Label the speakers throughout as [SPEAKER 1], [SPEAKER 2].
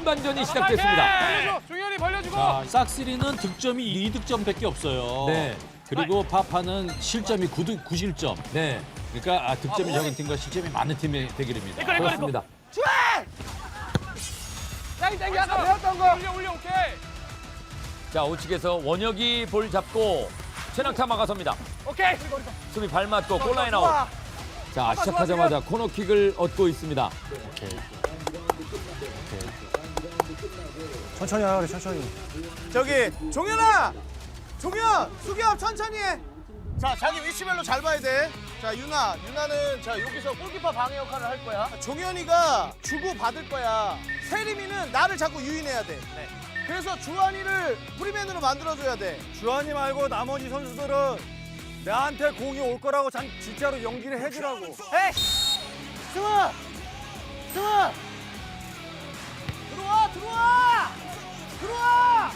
[SPEAKER 1] 후반전이 시작됐습니다.
[SPEAKER 2] 벌려줘. 종현이 벌려주고.
[SPEAKER 3] 자, 싹쓸이는 득점이 2득점밖에 없어요.
[SPEAKER 1] 네.
[SPEAKER 3] 그리고 파파는 실점이 9실점.
[SPEAKER 1] 네,
[SPEAKER 3] 그러니까 득점이 적은 팀과 실점이 많은 팀의 대결입니다.
[SPEAKER 1] 그렇습니다.
[SPEAKER 2] 땡. 아까 배웠던 거. 올려. 오케이.
[SPEAKER 1] 자, 우측에서 원혁이 볼 잡고 최낙타 막아섭니다.
[SPEAKER 2] 오케이.
[SPEAKER 1] 수비 발 맞고 골라인 아웃. 자, 시작하자마자 코너킥을 얻고 있습니다.
[SPEAKER 4] 천천히 하라 그래, 천천히.
[SPEAKER 5] 저기 종현아! 종현! 수겸 천천히 해! 자, 자기 위치별로 잘 봐야 돼. 자, 유나는 자 여기서 골키퍼 방해 역할을 할 거야. 종현이가 주고 받을 거야. 세림이는 나를 자꾸 유인해야 돼. 그래서 주한이를 프리맨으로 만들어줘야 돼.
[SPEAKER 4] 주한이 말고 나머지 선수들은 나한테 공이 올 거라고 진짜로 연기를 해주라고.
[SPEAKER 5] 에이! 승아! 들어와!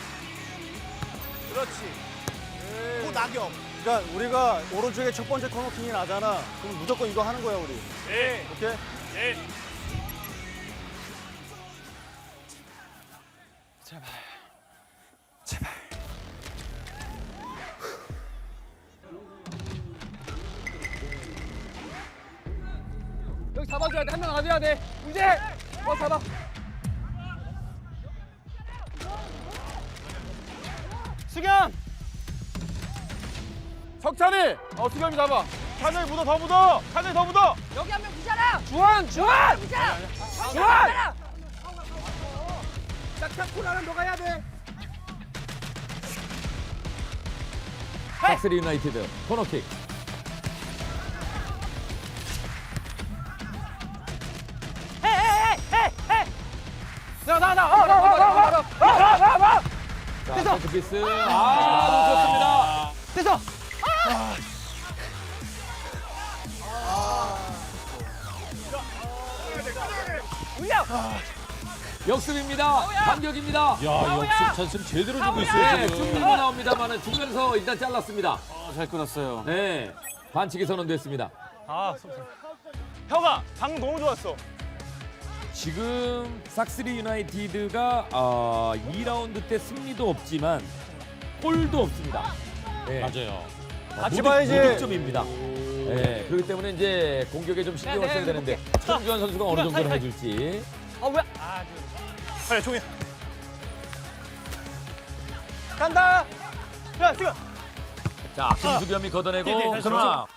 [SPEAKER 5] 그렇지. 낙엽.
[SPEAKER 4] 그러니까 우리가 오른쪽에 첫 번째 코너킹이 나잖아. 그럼 무조건 이거 하는 거야, 우리.
[SPEAKER 2] 네.
[SPEAKER 4] 오케이?
[SPEAKER 2] 네. 여기 잡아줘야 돼. 한 명 놔줘야 돼. 문제. 잡아.
[SPEAKER 5] 수겸!
[SPEAKER 2] 석찬이. 수겸이 잡아. 찬영이 더 묻어. 찬영이 더 묻어.
[SPEAKER 6] 여기 한 명 부자라!
[SPEAKER 2] 주한.
[SPEAKER 6] 부자라!
[SPEAKER 2] 주한.
[SPEAKER 5] 짝짝코라는 너가 해야 돼.
[SPEAKER 1] 삭스리 유나이티드 코너킥.
[SPEAKER 2] 나.
[SPEAKER 1] 자, 세트피스. 놓쳤습니다.
[SPEAKER 6] 됐어!
[SPEAKER 1] 역습입니다. 반격입니다.
[SPEAKER 3] 야, 역습 찬스를 제대로 주고
[SPEAKER 1] 네,
[SPEAKER 3] 있어요,
[SPEAKER 1] 충분히
[SPEAKER 3] 지금.
[SPEAKER 1] 나옵니다만 중간에서 일단 잘랐습니다.
[SPEAKER 4] 잘 끊었어요.
[SPEAKER 1] 네, 반칙이 선언됐습니다.
[SPEAKER 5] 혁아, 방금 너무 좋았어.
[SPEAKER 1] 지금 삭스리 유나이티드가 2라운드 때 승리도 없지만 골도 없습니다. 네.
[SPEAKER 3] 맞아요.
[SPEAKER 4] 같이 봐야지.
[SPEAKER 1] 무득점입니다. 네, 그렇기 때문에 이제 공격에 좀 신경을 써야 되는데 손주환 선수가 어느 정도로 해줄지.
[SPEAKER 5] 그래, 종현. 간다. 야, 지금.
[SPEAKER 1] 자, 김수겸이 걷어내고 그러나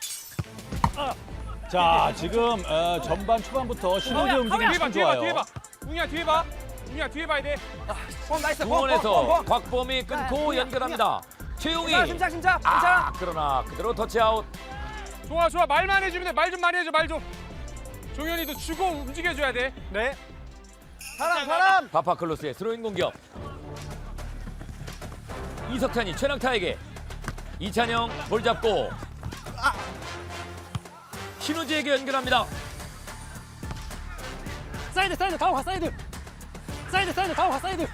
[SPEAKER 3] 자, 지금 전반 초반부터 신호대 움직임이 참 좋아요.
[SPEAKER 2] 뒤에 봐. 웅이야 뒤에 봐. 웅이야 뒤에 봐야 돼. 나이스.
[SPEAKER 1] 중원에서 곽범이 끊고 연결합니다. 최용이.
[SPEAKER 6] 심차.
[SPEAKER 1] 그러나 그대로 터치아웃.
[SPEAKER 2] 좋아. 말만 해주면 돼. 말 좀 많이 해줘. 말 좀. 종현이도 주고 움직여줘야 돼.
[SPEAKER 5] 네. 사람.
[SPEAKER 1] 바파클로스의 스로잉 공격. 이석찬이 최낙타에게. 이찬영 볼 잡고. 신우지에게 연결합니다.
[SPEAKER 6] 사이드 다음 가 사이드 다음 가 사이드.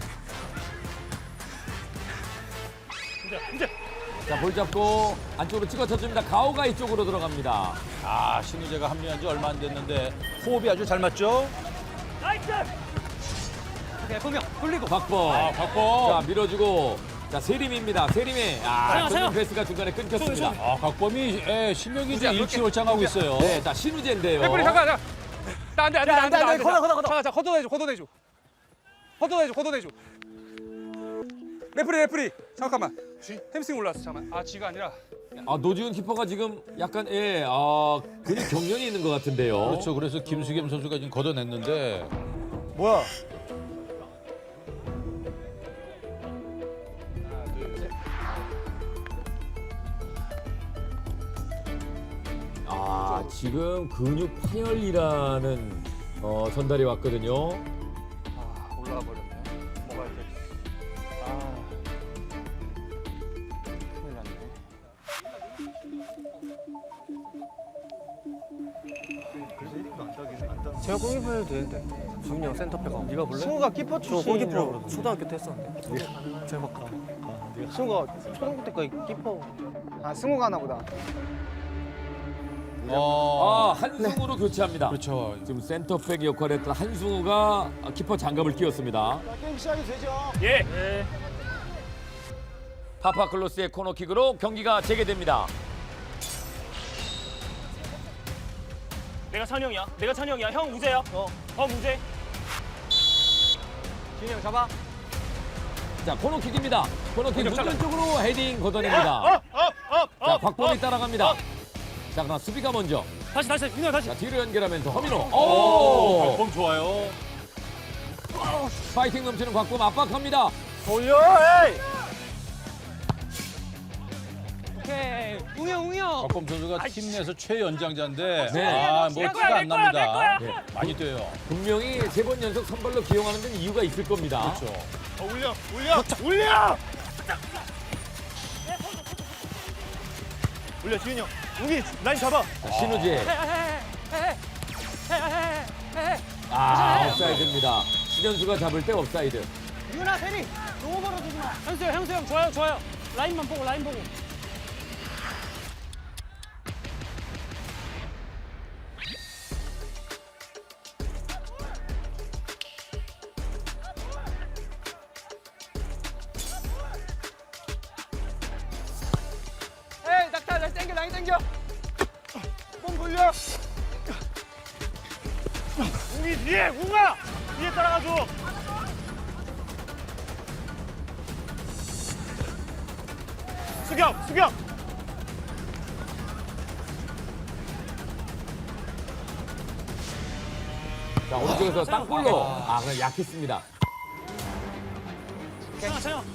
[SPEAKER 1] 자, 볼 잡고 안쪽으로 찍어 쳐줍니다. 가오가 이쪽으로 들어갑니다.
[SPEAKER 3] 아, 신우재가 합류한 지 얼마 안 됐는데 호흡이 아주 잘 맞죠?
[SPEAKER 6] 오케이 분명 돌리고.
[SPEAKER 1] 박범.
[SPEAKER 3] 곽범.
[SPEAKER 1] 자, 밀어주고. 자, 세림입니다. 세림이. 손흥민 패스가 중간에 끊겼습니다.
[SPEAKER 3] 곽범이 실력이 이제 일취월장하고 있어요.
[SPEAKER 1] 네, 자, 신우재인데요.
[SPEAKER 2] 백불이 잠깐. 나안돼.
[SPEAKER 6] 걷어.
[SPEAKER 2] 자, 걷어내줘. 레프리. 잠깐만. 햄스팅 올라왔어. 잠깐만. G가 아니라.
[SPEAKER 1] 노지훈 키퍼가 지금 약간 근육 경련이 있는 것 같은데요.
[SPEAKER 3] 그렇죠. 그래서 김수겸 선수가 지금 걷어냈는데
[SPEAKER 4] 뭐야?
[SPEAKER 1] 지금 근육 파열이라는 전달이 왔거든요.
[SPEAKER 2] 올라가 버렸네. 뭐가 이렇게. 큰일 났네.
[SPEAKER 4] 제가 골키퍼 해도 되는데. 주민이 형 센터백하고. 네가 볼래?
[SPEAKER 5] 승우가 키퍼
[SPEAKER 4] 저
[SPEAKER 5] 출신이라고
[SPEAKER 4] 골키퍼
[SPEAKER 5] 그러던데.
[SPEAKER 4] 초등학교 때 했었는데. 제가 가.
[SPEAKER 5] 승우가 초등학교 때까지 키퍼. 승우가 하나 보다.
[SPEAKER 1] 한 한승우로 교체합니다.
[SPEAKER 3] 그렇죠.
[SPEAKER 1] 지금 센터백 역할을 했던 한승우가 키퍼 장갑을 끼웠습니다.
[SPEAKER 5] 게임 시작이 되죠.
[SPEAKER 6] 예.
[SPEAKER 1] 파파클로스의 코너킥으로 경기가 재개됩니다.
[SPEAKER 6] 내가 찬영이야. 형 우재야. 우재.
[SPEAKER 5] 진이 형 잡아.
[SPEAKER 1] 자, 코너킥입니다. 코너킥 문전 쪽으로 헤딩 걷어냅니다. 자, 곽범이 따라갑니다. 자, 그럼 수비가 먼저.
[SPEAKER 6] 다시 윤호 다시.
[SPEAKER 1] 자, 뒤로 연결하면서 허민호. 오!
[SPEAKER 3] 폼 좋아요.
[SPEAKER 1] 파이팅 넘치는 곽범 압박합니다.
[SPEAKER 5] 돌려. 에이.
[SPEAKER 6] 오케이. 웅이 형.
[SPEAKER 3] 박범 선수가 팀 내에서 최연장자인데
[SPEAKER 1] 네.
[SPEAKER 3] 뭐 티가 안 납니다.
[SPEAKER 1] 네.
[SPEAKER 3] 많이 뛰어요.
[SPEAKER 1] 분명히 3번 연속 선발로 기용하는 데는 이유가 있을 겁니다.
[SPEAKER 3] 그렇죠.
[SPEAKER 5] 올려 지훈이 형. 웅이 라인 잡아.
[SPEAKER 1] 자, 신우재. 아, 옵사이드입니다. 신현수가 잡을 때 옵사이드.
[SPEAKER 6] 윤아 세리. 너무 멀어지지 마. 형수 형 좋아요. 라인만 보고.
[SPEAKER 5] 에이 낙타 라인 당겨 라인 당겨. 뽕 돌려. 웅이 뒤에 웅아 뒤에 따라가줘. 수경.
[SPEAKER 1] 자, 오른쪽에서 땅볼로. 아, 그냥 약했습니다.
[SPEAKER 6] 찬영.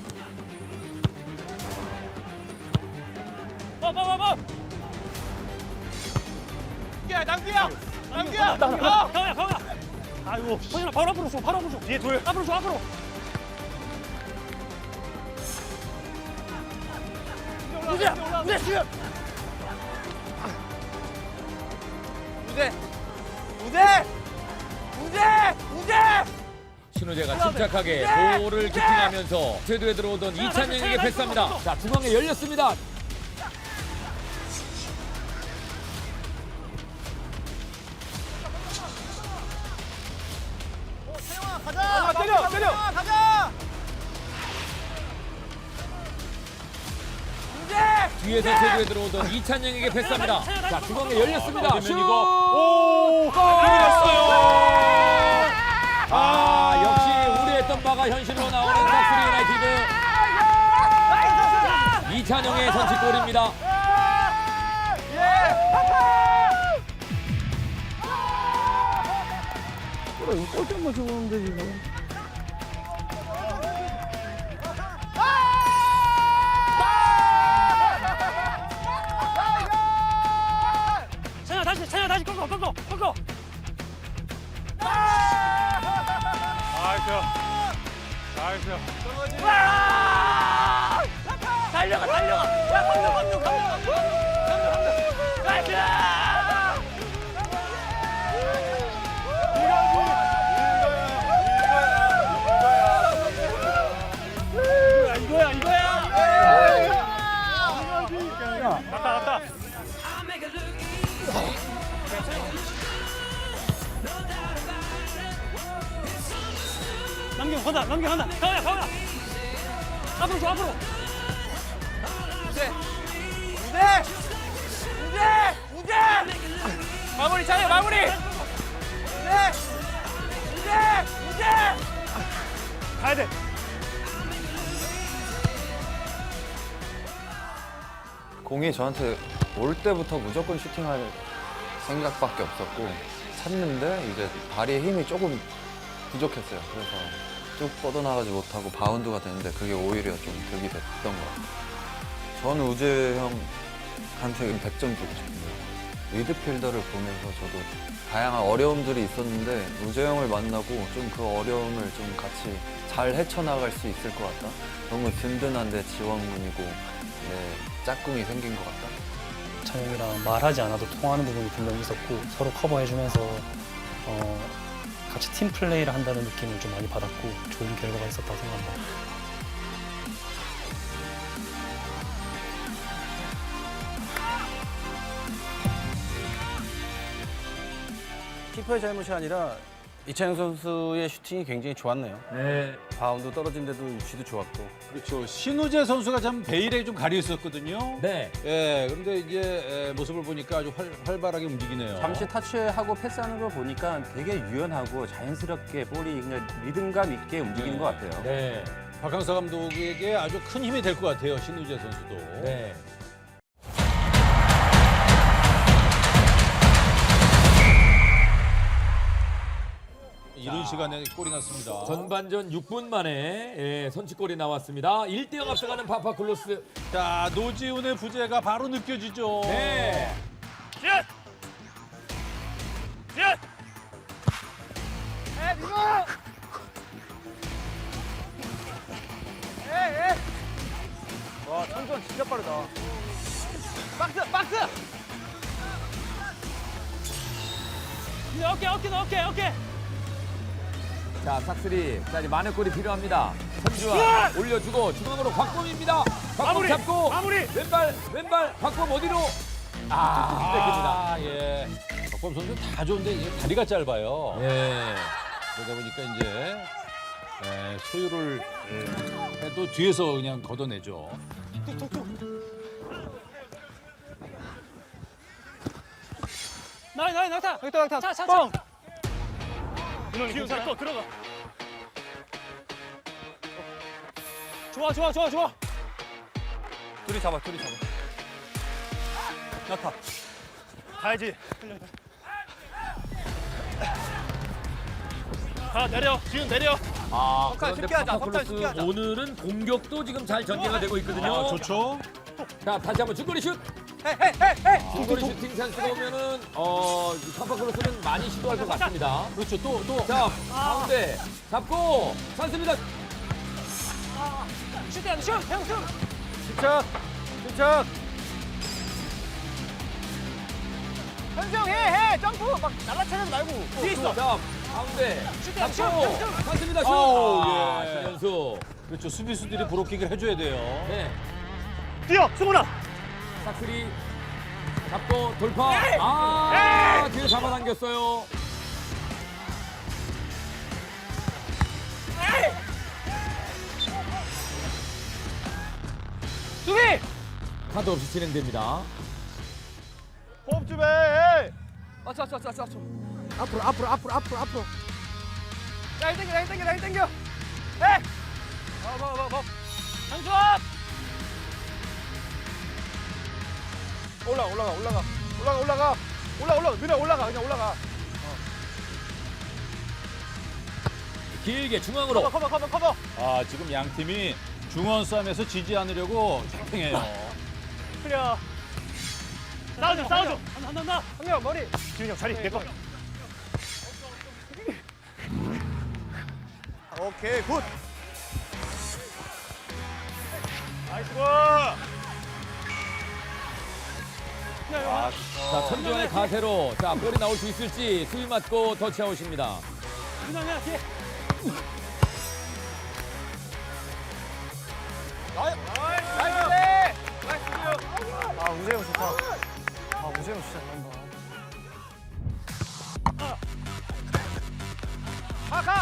[SPEAKER 6] 봐.
[SPEAKER 5] 야 낭비야.
[SPEAKER 6] 가오야. 아이고. 허진아 바로 앞으로 줘.
[SPEAKER 5] 뒤에 돌.
[SPEAKER 6] 앞으로 줘.
[SPEAKER 5] 우재 지금. 우재.
[SPEAKER 1] 신우재가 침착하게 볼을 키팅하면서 쇄도에 들어오던 이찬영에게 패스합니다. 자, 중앙에 열렸습니다.
[SPEAKER 5] 때려. 가자.
[SPEAKER 1] 뒤에서 쇄도에 들어오던 이찬영에게 패스합니다. 자, 중앙에 열렸습니다. 슛!
[SPEAKER 3] 그러면 이거
[SPEAKER 1] 아, 역시 우려했던 바가 현실로 나오는 닥스리 유나이티드. 이찬영의 선취골입니다.
[SPEAKER 6] 찬영 다시 꺾어.
[SPEAKER 2] 나이스.
[SPEAKER 6] 달려가. 야, 감독. 이거야.
[SPEAKER 2] 갔다.
[SPEAKER 6] 남겨. 가오야. 앞으로 줘.
[SPEAKER 5] 우재. 마무리 잘해. 우재. 가야 돼.
[SPEAKER 7] 공이 저한테 올 때부터 무조건 슈팅할 생각밖에 없었고 찼는데 이제 발의 힘이 조금 부족했어요. 그래서 쭉 뻗어나가지 못하고 바운드가 되는데 그게 오히려 좀 득이 됐던 것 같아요. 저는 우재 형한테 100점 주고 싶은데요. 미드필더를 보면서 저도 다양한 어려움들이 있었는데 우재 형을 만나고 좀 그 어려움을 좀 같이 잘 헤쳐나갈 수 있을 것 같다. 너무 든든한 내 지원군이고 내 짝꿍이 생긴 것 같다.
[SPEAKER 8] 찬영이랑 말하지 않아도 통하는 부분이 분명히 있었고 서로 커버해주면서 같이 팀 플레이를 한다는 느낌을 좀 많이 받았고 좋은 결과가 있었다고 생각합니다.
[SPEAKER 9] 키퍼의 잘못이 아니라 이찬영 선수의 슈팅이 굉장히 좋았네요.
[SPEAKER 1] 네.
[SPEAKER 9] 바운드 떨어진 데도 위치도 좋았고.
[SPEAKER 3] 그렇죠. 신우재 선수가 참 베일에 좀 가려 있었거든요.
[SPEAKER 1] 네.
[SPEAKER 3] 예, 그런데 이제 모습을 보니까 아주 활발하게 움직이네요.
[SPEAKER 9] 잠시 타치하고 패스하는 걸 보니까 되게 유연하고 자연스럽게 볼이 그냥 리듬감 있게 움직이는 것 같아요.
[SPEAKER 1] 네.
[SPEAKER 3] 박항서 감독에게 아주 큰 힘이 될 것 같아요. 신우재 선수도.
[SPEAKER 1] 네.
[SPEAKER 3] 이른 시간에 골이 났습니다.
[SPEAKER 1] 전반전 6분 만에 선취골이 나왔습니다. 1대0 앞서가는 파파클로스.
[SPEAKER 3] 자, 노지훈의 부재가 바로 느껴지죠.
[SPEAKER 1] 네.
[SPEAKER 4] 와, 천전 진짜 빠르다.
[SPEAKER 6] 오케이.
[SPEAKER 1] 자, 삭스리. 자, 이제 많은 골이 필요합니다. 선주환 올려주고 중앙으로 곽범입니다. 곽범 잡고 왼발 곽범 어디로? 뺏깁니다.
[SPEAKER 3] 예. 박범 선수 다 좋은데 이게 다리가 짧아요.
[SPEAKER 1] 네.
[SPEAKER 3] 그러다 보니까 이제 소유를 해도 뒤에서 그냥 걷어내죠.
[SPEAKER 6] 나타. 차.
[SPEAKER 4] 기운 내꺼 들어가.
[SPEAKER 6] 좋아.
[SPEAKER 9] 둘이 잡아.
[SPEAKER 4] 나타. 가야지. 가 내려. 기운 내려.
[SPEAKER 1] 그런데 파파클로스 오늘은 공격도 지금 잘 전개가 되고 있거든요.
[SPEAKER 3] 좋죠.
[SPEAKER 1] 자, 다시 한번 중거리 슛. 중거리 슈팅 찬스가 오면은 파파클로스는 많이 시도할 것 같습니다.
[SPEAKER 3] 그렇죠. 또.
[SPEAKER 1] 자, 가운데 잡고 찬스입니다.
[SPEAKER 4] 침착.
[SPEAKER 1] 뒤에 있어. 자, 가운데 잡고 찬스입니다. 슛.
[SPEAKER 3] 아우,
[SPEAKER 1] 아,
[SPEAKER 3] 예.
[SPEAKER 1] 신현수.
[SPEAKER 3] 그렇죠. 수비수들이 브로킹을 해줘야 돼요.
[SPEAKER 1] 네.
[SPEAKER 4] 뛰어, 승훈아.
[SPEAKER 1] 사크리 잡고 돌파. 뒤에 잡아당겼어요.
[SPEAKER 6] 수비.
[SPEAKER 1] 카드 없이 진행됩니다.
[SPEAKER 4] 호흡 좀 해.
[SPEAKER 6] 맞춰.
[SPEAKER 4] 앞으로.
[SPEAKER 6] 라인 땡겨. 장주환.
[SPEAKER 4] 올라가. 누나 올라가. 그냥 올라가.
[SPEAKER 1] 길게 중앙으로.
[SPEAKER 4] 커버.
[SPEAKER 3] 아, 지금 양 팀이 중원 싸움에서 지지 않으려고 팽팽해요.
[SPEAKER 4] 그래. 싸워줘.
[SPEAKER 6] 한다.
[SPEAKER 4] 한명 머리. 기훈이 형 자리 내꺼. 오케이, 굿. 나이스 볼.
[SPEAKER 1] 자, 천주환의 가세로 자, 볼이 나올 수 있을지 수위 맞고 터치아웃입니다.
[SPEAKER 6] 그냥 뒤에.
[SPEAKER 4] 아, 우재형 좋다. 우재형 진짜 잘한다. 가!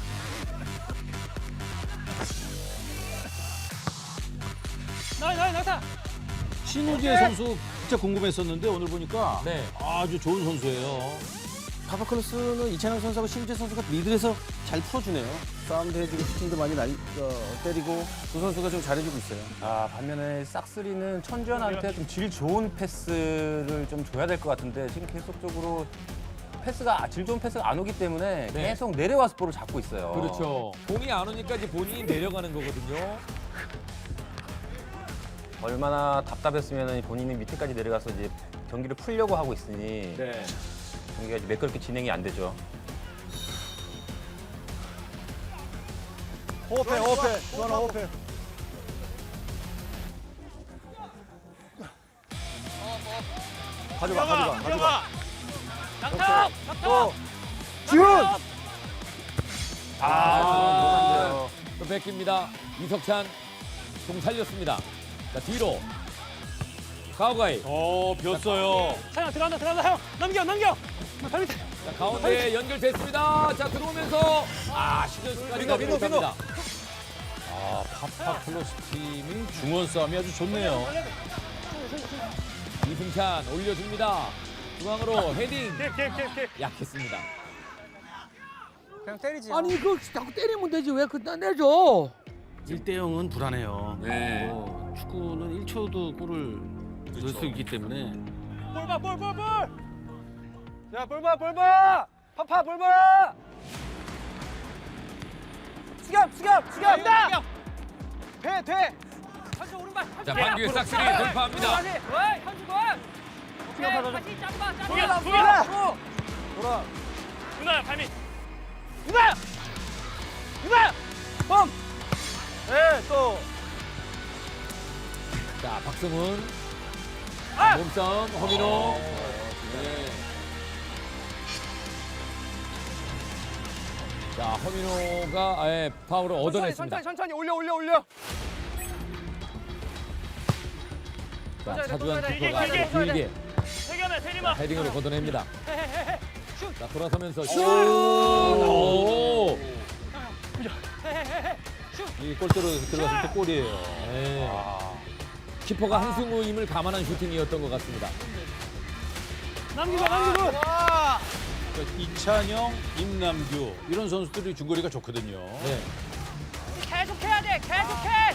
[SPEAKER 6] 나타.
[SPEAKER 3] 신우재 선수 진짜 궁금했었는데 오늘 보니까
[SPEAKER 1] 네.
[SPEAKER 3] 아주 좋은 선수예요.
[SPEAKER 9] 파파클로스는 이찬영 선수하고 신우재 선수가 미들에서 잘 풀어주네요. 싸움도 해주고 슈팅도 많이 때리고 두 선수가 좀 잘해주고 있어요. 반면에 싹스리는 천주환한테 좀 질 좋은 패스를 좀 줘야 될 것 같은데 지금 계속적으로 질 좋은 패스가 안 오기 때문에
[SPEAKER 1] 네.
[SPEAKER 9] 계속 내려와서 볼을 잡고 있어요.
[SPEAKER 1] 그렇죠. 공이 안 오니까 이제 본인이 내려가는 거거든요.
[SPEAKER 9] 얼마나 답답했으면 본인이 밑에까지 내려가서 이제 경기를 풀려고 하고 있으니
[SPEAKER 1] 네.
[SPEAKER 9] 경기가 이제 매끄럽게 진행이 안 되죠.
[SPEAKER 4] 호흡해. 주환아, 호흡해. 가져가.
[SPEAKER 6] 낙타.
[SPEAKER 4] 지훈!
[SPEAKER 1] 또 뺏깁니다. 이석찬 공 살렸습니다. 자, 뒤로 가오가이.
[SPEAKER 3] 비었어요.
[SPEAKER 6] 차야 들어간다 형. 넘겨.
[SPEAKER 1] 자, 가운데 연결됐습니다. 자, 들어오면서 시즌스까지 가지 못합니다.
[SPEAKER 3] 아, 파파클로스 팀이 중원 싸움이 아주 좋네요.
[SPEAKER 1] 이승찬 올려줍니다. 중앙으로 헤딩
[SPEAKER 2] 킥.
[SPEAKER 1] 약했습니다.
[SPEAKER 4] 그냥 때리지.
[SPEAKER 6] 아니 이거 자꾸 때리면 되지 왜 그딴 내줘?
[SPEAKER 9] 1대0은 불안해요.
[SPEAKER 1] 네.
[SPEAKER 9] 축구는 1초도 골을 넣을 수 있기 때문에
[SPEAKER 4] 볼 봐. 야, 볼 봐. 파파 볼 봐. 수겸. 돼.
[SPEAKER 1] 자, 방규의 싹쓸이 돌파합니다.
[SPEAKER 4] 돌아.
[SPEAKER 2] 누나야 발밑.
[SPEAKER 4] 네, 또.
[SPEAKER 1] 자, 박승훈. 몸싸움, 허민호. 네. 자, 허민호가 파울을 얻어냈습니다.
[SPEAKER 2] 천천히 올려.
[SPEAKER 1] 자, 차주환 키퍼가 길게 자, 헤딩으로 걷어냅니다. 자, 돌아서면서 슛! 오!
[SPEAKER 3] 이 골대로 들어갔을 때 골이에요.
[SPEAKER 1] 네. 키퍼가 한승우 힘을 감안한 슈팅이었던 것 같습니다.
[SPEAKER 3] 그러니까 이찬영, 임남규 이런 선수들이 중거리가 좋거든요.
[SPEAKER 1] 네.
[SPEAKER 6] 계속해야 돼. 계속해.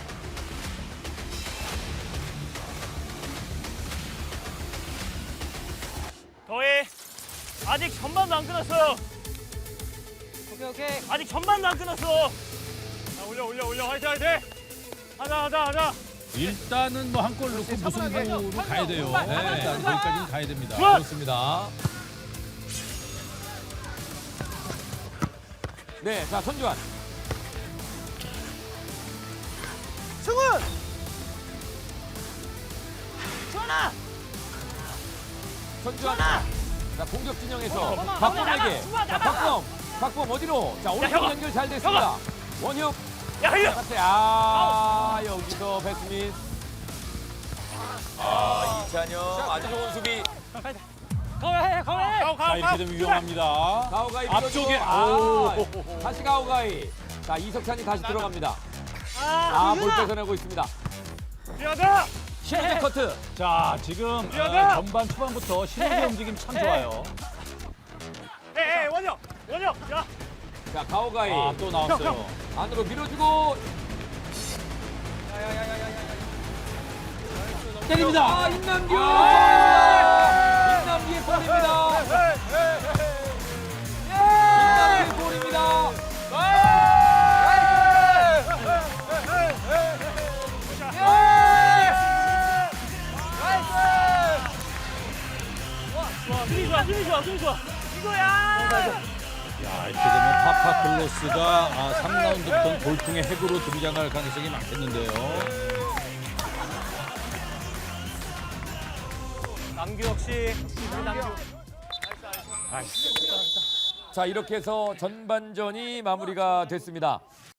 [SPEAKER 2] 더해. 아직 전반도 안 끝났어요.
[SPEAKER 6] 오케이.
[SPEAKER 2] 아직 전반도 안 끝났어. 자, 올려. 화이팅. 하자.
[SPEAKER 3] 일단은 뭐 한 골 넣고 무승부로 가야 돼요.
[SPEAKER 1] 네.
[SPEAKER 3] 일단 거기까지는 가야 됩니다.
[SPEAKER 1] 그렇습니다. 네, 자, 손주환.
[SPEAKER 5] 승훈.
[SPEAKER 1] 손주환. 자, 공격 진영에서 박범에게. 자, 박범 어디로? 자, 오른쪽 연결 잘 됐습니다. 원혁.
[SPEAKER 2] 야, 흘려.
[SPEAKER 1] 여기서 배스민. 이찬영 아주 좋은 수비.
[SPEAKER 6] 가해.
[SPEAKER 3] 자, 이렇게 되면 위험합니다.
[SPEAKER 1] 가오가이
[SPEAKER 3] 앞쪽에
[SPEAKER 1] 밀어주고, 다시 가오가이. 자, 이석찬이 다시 들어갑니다. 볼 뺏어내고 있습니다.
[SPEAKER 2] 미안하다.
[SPEAKER 1] 신호재 커트.
[SPEAKER 3] 자, 지금
[SPEAKER 2] 미안하다.
[SPEAKER 3] 전반 초반부터 신호의 움직임 참 좋아요.
[SPEAKER 2] 원혁. 야.
[SPEAKER 1] 자, 가오가이.
[SPEAKER 3] 또 나왔어요.
[SPEAKER 1] 안으로 밀어주고.
[SPEAKER 3] 때립니다.
[SPEAKER 1] 임남규. 임남규의 골입니다. 임남규의 골입니다.
[SPEAKER 2] 힘이 좋아. 이거야.
[SPEAKER 3] 야, 이렇게 되면 파파클로스가 3라운드부터는 돌풍의 핵으로 등장할 가능성이 많겠는데요.
[SPEAKER 2] 남규 역시.
[SPEAKER 1] 자, 이렇게 해서 전반전이 마무리가 됐습니다.